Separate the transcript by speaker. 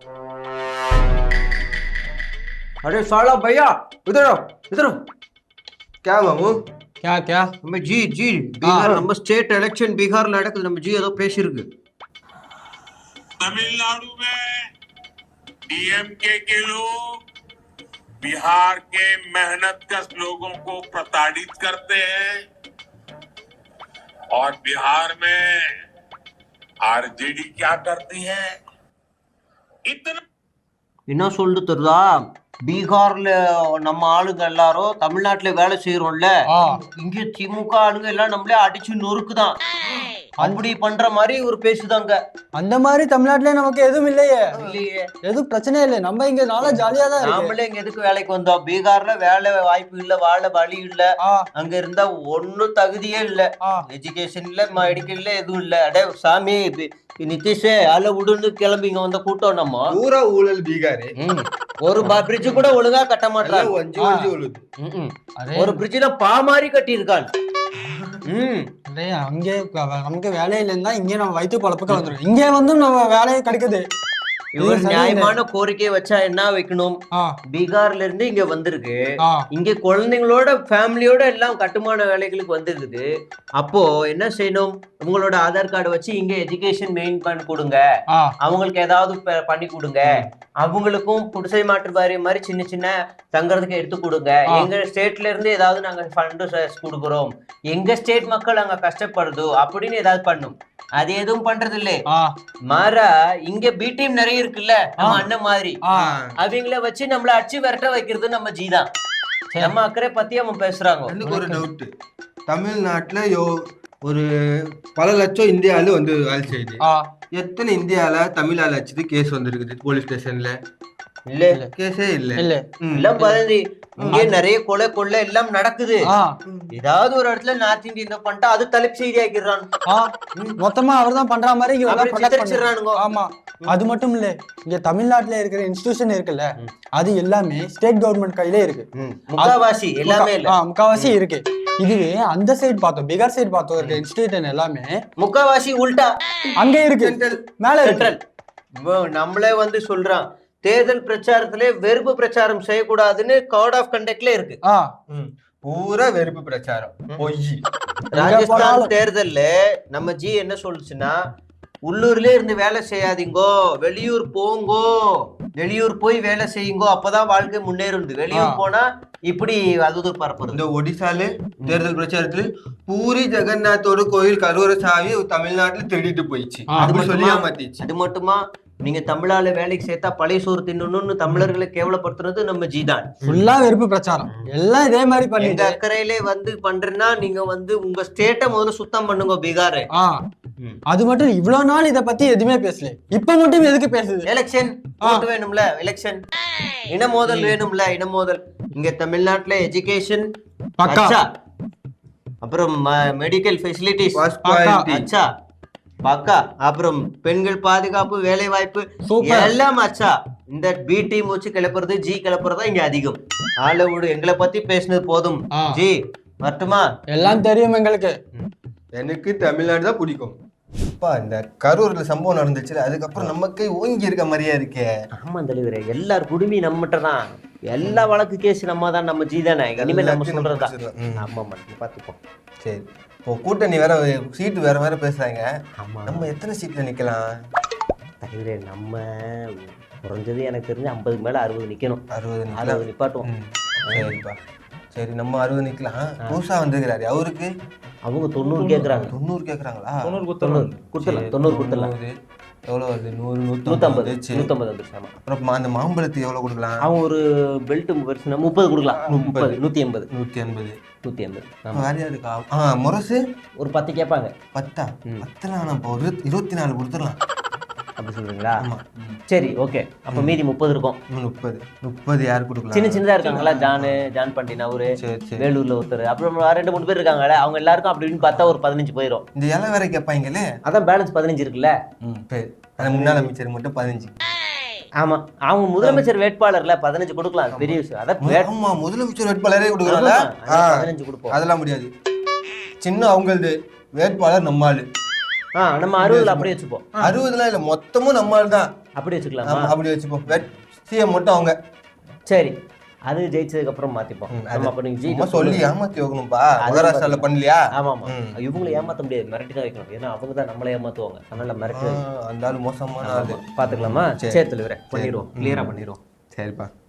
Speaker 1: अरे साला भैया इधर आओ इधर आओ।
Speaker 2: क्या मामू?
Speaker 3: क्या
Speaker 1: நம்ம ஜி பீகார் நம்ம ஸ்டேட் எலெக்ஷன் பீகார்ல நடக்குது. நம்ம ஜி ஏதோ பேசிருக்கு.
Speaker 4: तमिलनाडु में डीएमके के लोग बिहार के मेहनतकश लोगों को प्रताड़ित करते हैं और बिहार में आरजेडी क्या करती है? इतना
Speaker 1: என்ன சொல்லிட்டு தெரியுதா? பீகார்ல நம்ம ஆளுங்க எல்லாரும் தமிழ்நாட்டுல வேலை செய்யறோம்ல, இங்க திமுக ஆளுங்க எல்லாம் நம்மளே அடிச்சு நொறுக்குதான். அப்படி பண்ற மாதிரி ஒரு பேசுதாங்க.
Speaker 3: அந்த மாதிரி தமிழ்நாட்டுல நமக்கு எதுவும் இல்லையே.
Speaker 1: இல்லையே,
Speaker 3: எதுவும் பிரச்சனை இல்லை. நம்ம இங்க நல்லா ஜாலியா தான் இருக்கு.
Speaker 1: நாமளே இங்க எதுக்கு வேலைக்கு வந்தோம்? பீகார்ல வேலை வாய்ப்பு இல்ல, வாழ வழி இல்ல. அங்க இருந்தா ஒன்னும் தகுதியே இல்ல. எஜுகேஷன் இல்ல, மெடிக்கல்ல எதுவும் இல்ல. அடே சாமி, நிதிஷே அல விடுன்னு கிளம்பி இங்க வந்த கூட்டம். நம்ம
Speaker 2: பூரா ஊழல் பீகாரு.
Speaker 1: ஒரு பிரிட்ஜ் கூட ஒழுங்கா கட்ட மாட்டாங்க. ஒரு பிரிட்ஜ்ல பா மாதிரி கட்டி இருக்கான்.
Speaker 3: அங்கே நமக்கு வேலையில இருந்தா இங்கே நம்ம வயிற்று பொழப்புக்கு வந்துடும். இங்கே வந்து நம்ம வேலையை கிடைக்குது.
Speaker 1: இவர் நியாயமான கோரிக்கையை வச்சா என்ன வைக்கணும்? பீகார்ல இருந்து இங்க வந்திருக்கு, இங்க குழந்தைங்களோட ஃபேமிலியோட எல்லாம் கட்டுமான வேலைகளுக்கு வந்திருக்குது. அப்போ என்ன செய்யணும்? உங்களோட ஆதார் கார்டு வச்சு இங்க எஜுகேஷன் மெயின் பண்ணி கொடுங்க, அவங்களுக்கு ஏதாவது பண்ணி கொடுங்க, அவங்களுக்கும் குடிசை மாற்று வாரியம் மாதிரி சின்ன சின்ன தங்கறதுக்கு எடுத்து கொடுங்க. எங்க ஸ்டேட்ல இருந்து ஏதாவது நாங்க ஃபண்டு கொடுக்குறோம், எங்க ஸ்டேட் மக்கள் அங்க கஷ்டப்படுதோ அப்படின்னு ஏதாவது பண்ணும். அது எதுவும் பண்றது இல்ல. மாறா இங்க பி டீம் நிறைய இருக்குல்ல, நம்ம அண்ணன் மாதிரி, அவங்கள வச்சு நம்மள அடிச்சு விரட்ட வைக்கிறது நம்ம ஜீதான். நம்ம அக்கறை பத்தி அவன் பேசுறாங்க.
Speaker 2: எனக்கு ஒரு டவுட். தமிழ்நாட்டுல ஒரு பல லட்சம் இந்திய ஆளு வந்து வேலை செய்யுது. எத்தனை இந்திய ஆள தமிழ் ஆள் வச்சுட்டு கேஸ் வந்திருக்குது போலீஸ் ஸ்டேஷன்ல?
Speaker 1: இல்ல,
Speaker 2: கேஸே இல்ல.
Speaker 1: எல்லாம் பதினஞ்சு இங்கே நிறைய கொலை எல்லாம் நடக்குது. ஏதாவது ஒரு இடத்துல நார்த் இந்தியன் பண்ணிட்டா அது தலைப்பு செய்தி ஆக்கிடுறான்.
Speaker 3: மொத்தமா அவர் தான் பண்ற மாதிரி
Speaker 1: ஆமா.
Speaker 3: அது மட்டும் இல்ல, இங்க தமிழ்நாட்டுல இருக்கிற இன்ஸ்டிடியூஷன் இருக்குல்ல, அது எல்லாமே ஸ்டேட் கவர்மெண்ட் கையிலே இருக்கு.
Speaker 1: முக்காவாசி எல்லாமே இல்ல,
Speaker 3: முக்காவாசி இருக்கு. இதுவே அந்த சைடு பார்த்தோம், பீகார் சைடு பார்த்தோம் இருக்க இன்ஸ்டிடியூஷன் எல்லாமே
Speaker 1: முக்காவாசி உல்டா
Speaker 3: அங்க இருக்கு, மேல இருக்கு.
Speaker 1: நம்மளே வந்து சொல்றான் தேர்தல் பிரச்சாரத்திலே வெறுப்பு பிரச்சாரம் செய்யக்கூடாதுன்னு கோட் ஆஃப் கண்டக்ட்ல இருக்கு.
Speaker 2: பூரா வெறுப்பு பிரச்சாரம் பொய்.
Speaker 1: ராஜஸ்தான் தேர்தல்ல நம்ம ஜி என்ன சொல்லுச்சுன்னா, உள்ளூர்ல இருந்து வேலை செய்யாதீங்கோ, வெளியூர் போங்கோ, வெளியூர் போய் வேலை செய்யுங்கோ, அப்பதான் வாழ்க்கை முன்னேறுது. வெளியூர் போனா இப்படி அது பரப்புறது.
Speaker 2: இந்த ஒடிசால தேர்தல் பிரச்சாரத்துல பூரி ஜெகநாத்தோட கோயில் கருவறை சாவி தமிழ்நாட்டுல தேடிட்டு போயிடுச்சு.
Speaker 1: அது மட்டுமா, நீங்க தமிழால வேலைக்கு சேர்த்தா பழைய சோறு தின்னணும்னு தமிழர்களை கேவலப்படுத்துறது நம்ம ஜீதான்.
Speaker 3: ஃபுல்லா வெறுப்பு பிரச்சாரம் எல்லாம் இதே மாதிரி பண்ணி
Speaker 1: எங்க அக்கறையிலே வந்து பண்றேன்னா நீங்க வந்து உங்க ஸ்டேட்டை முதல்ல சுத்தம் பண்ணுங்க பீகார்.
Speaker 3: அது மட்டும் இவ்வளவு நாள் இத பத்தி எதுவுமே பேசல, இப்ப மட்டும் எதுக்கு பேசுது?
Speaker 1: எலெக்ஷன் வேணும்ல, எலெக்ஷன் இனமோதல் வேணும்ல, இனமோதல். இங்க தமிழ்நாட்டுல எஜுகேஷன் அச்சா, அப்புறம் மெடிக்கல் ஃபெசிலிட்டிஸ் அச்சா பக்கா, அப்புறம் பெண்கள் பாதுகாப்பு, வேலை வாய்ப்பு எல்லாம் அச்சா. இந்த பி டீம் வச்சு கிளப்புறது, ஜி கிளப்புறதா இங்க அதிகம். ஆள விடு, எங்களை பத்தி பேசினது போதும். ஜி மட்டுமா
Speaker 3: எல்லாம் தெரியும் எங்களுக்கு.
Speaker 2: எனக்கு தமிழ்நாடு தான் பிடிக்கும். இந்த கரூர்ல சம்பவம் நடந்துச்சு, அதுக்கப்புறம் நமக்கு ஓங்கி இருக்க மாதிரியா இருக்கே.
Speaker 1: ஆமா தலைவரே, எல்லார் குடுமி நம்மகிட்ட தான், எல்லா வழக்கு கேஸ் நம்ம தான், நம்ம ஜி தானே. இனிமே நம்ம சொல்றதா. ஆமா பாத்துப்போம்.
Speaker 2: சரி, இப்போ கூட்டணி வேற சீட்டு வேற வேற பேசுறாங்க. நம்ம எத்தனை சீட்ல நிக்கலாம்
Speaker 1: தலைவரே? நம்ம குறைஞ்சது எனக்கு தெரிஞ்சு 50 மேல 60 நிக்கணும்.
Speaker 2: 60
Speaker 1: நிப்பாட்டுவோம்.
Speaker 2: சரிப்பா, சரி நம்ம 60 நிக்கலாம். புதுசா வந்துக்கிறாரு, அவருக்கு
Speaker 1: அவங்க 90 கேக்குறாங்க.
Speaker 2: 90 கேக்குறாங்களா?
Speaker 1: 90 கொடுத்துடலாம்.
Speaker 2: எவ்வளவு வருது? 100,
Speaker 1: 150 வந்துருச்சு.
Speaker 2: அப்புறம் அந்த மாம்பழத்துக்கு எவ்வளவு கொடுக்கலாம்?
Speaker 1: அவன் ஒரு பெல்ட் வருஷம் 30 கொடுக்கலாம். 30, 180.
Speaker 2: வேற யாருக்கா? முரசு ஒரு
Speaker 1: 10 கேட்பாங்க.
Speaker 2: 10 நம்ம ஒரு 24 கொடுத்துடலாம்.
Speaker 1: அப்படி சொல்றீங்களா? சரி, ஓகே. அப்ப மீதி 30 இருக்கும்.
Speaker 2: 30 யாரு கொடுக்கலாம்?
Speaker 1: சின்னதா இருக்காங்களா, ஜான் பண்டினா அவரு, வேலூர்ல ஒருத்தர், அப்புறம் 2-3 பேர் இருக்காங்களே, அவங்க எல்லாருக்கும் அப்படின்னு பார்த்தா ஒரு 15 போயிடும்.
Speaker 2: இந்த இலை வேற கேட்பாங்களே,
Speaker 1: அதான் பேலன்ஸ் 15 இருக்குல்ல.
Speaker 2: முன்னாள் அமைச்சர் மட்டும் 15.
Speaker 1: ஆமா, அவங்க முதலமைச்சர் வேட்பாளர்ல 15 கொடுக்கலாம். பெரிய விஷயம்.
Speaker 2: அதான் முதலமைச்சர் வேட்பாளரே கொடுக்கறாங்க.
Speaker 1: 15 கொடுப்போம்.
Speaker 2: அதெல்லாம் முடியாது. சின்ன அவங்களது வேட்பாளர் நம்மாளு.
Speaker 1: நம்ம 60 அப்படியே வச்சுப்போம்.
Speaker 2: 60 இல்ல, மொத்தமும் நம்மால் தான்.
Speaker 1: அப்படி வச்சுக்கலாமா?
Speaker 2: அப்படி வச்சுப்போம். சிஎம் மட்டும் அவங்க.
Speaker 1: சரி, அது ஜெயிச்சதுக்கு அப்புறம் மாத்திப்போம். நம்ம அப்ப நீங்க
Speaker 2: சும்மா சொல்லி ஏமாத்தி வைக்கணும்பா. மகாராஷ்டிரால பண்ணலையா?
Speaker 1: ஆமா ஆமா, இவங்களை ஏமாத்த முடியாது, மிரட்டி தான் வைக்கணும். ஏன்னா அவங்க தான் நம்மளை ஏமாத்துவாங்க. அதனால மிரட்டி
Speaker 2: அந்த ஆளு மோசமான ஆளு.
Speaker 1: பாத்துக்கலாமா? சரி தலைவரே, பண்ணிடுவோம், கிளியரா பண்ணிடுவோம்.
Speaker 2: சரிப்பா.